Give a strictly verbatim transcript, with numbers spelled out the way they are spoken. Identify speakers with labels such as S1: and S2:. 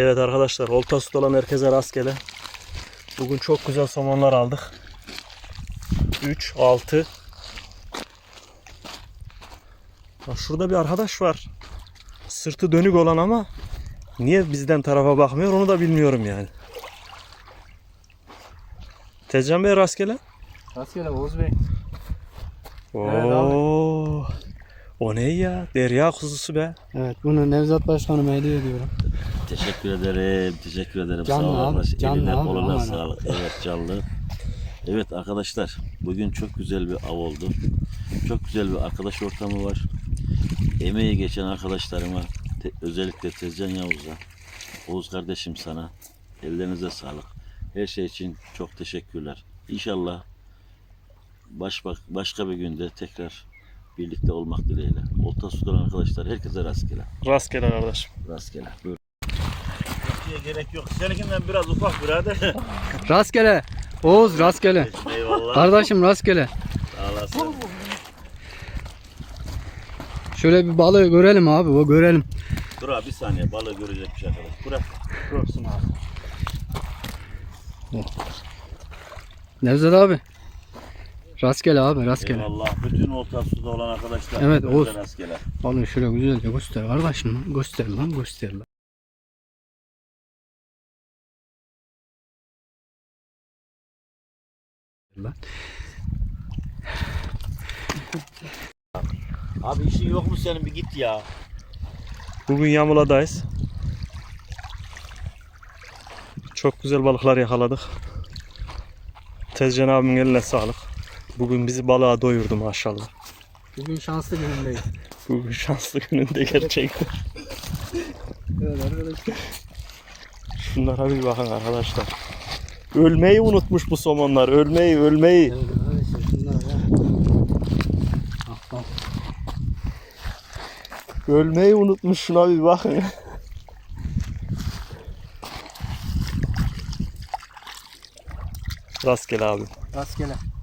S1: Evet arkadaşlar, olta su olan herkese rastgele. Bugün çok güzel somonlar aldık. üç, altı. Bak şurada bir arkadaş var. Sırtı dönük olan ama niye bizden tarafa bakmıyor onu da bilmiyorum yani. Tezcan Bey rastgele.
S2: Rastgele Oğuz Bey.
S1: Oo.
S2: Evet abi.
S1: O ne ya? Derya kuzusu be.
S2: Evet, bunu Nevzat Başkanıma hediye ediyorum.
S3: Teşekkür ederim. Teşekkür ederim.
S2: Canlı
S3: Sağ ol
S2: abi,
S3: arkadaş.
S2: canlı
S3: Eline
S2: abi,
S3: koluna
S2: aman
S3: sağlık. Evet canlı. Evet arkadaşlar. Bugün çok güzel bir av oldu. Çok güzel bir arkadaş ortamı var. Emeği geçen arkadaşlarıma te- özellikle Tezcan Yavuz'a, Oğuz kardeşim sana ellerinize sağlık. Her şey için çok teşekkürler. İnşallah baş, bak, başka bir günde tekrar birlikte olmak dileğiyle. Olta sudan arkadaşlar herkese rastgele.
S1: Rastgele kardeşim.
S3: Rastgele. Buyurun. Gerek yok. Seninkinden biraz ufak birader.
S2: Rastgele. Oğuz rastgele.
S3: Eyvallah.
S2: Kardeşim rastgele.
S3: Sağ olasın.
S2: Şöyle bir balığı görelim abi, o görelim.
S3: Dur abi bir saniye, balığı görecekmiş arkadaş. Bırak.
S1: Görsün abi.
S2: Nevzat abi. Rastgele abi, rastgele.
S3: Eyvallah. Bütün olta suda olan arkadaşlar.
S2: Evet,
S3: hepinize
S2: Oğuz.
S3: rastgele.
S2: Balığı şöyle güzelce göster kardeşim. Göster lan, göster lan. Lan.
S3: Abi işin yok mu senin, bir git ya.
S1: Bugün Yamula'dayız. Çok güzel balıklar yakaladık. Tezcan abimin eline sağlık. Bugün bizi balığa doyurdu maşallah.
S2: Bugün şanslı günündeyiz.
S1: Bugün şanslı gününde gerçekten.
S2: Evet arkadaşlar.
S1: Şunlara bir bakın arkadaşlar. Ölmeyi unutmuş bu somonlar. Ölmeyi, ölmeyi.
S2: Evet arkadaşlar, şunlara ya. Bak bak.
S1: Ölmeyi unutmuş, şuna bir bakın. Rastgele abi.
S2: Rastgele.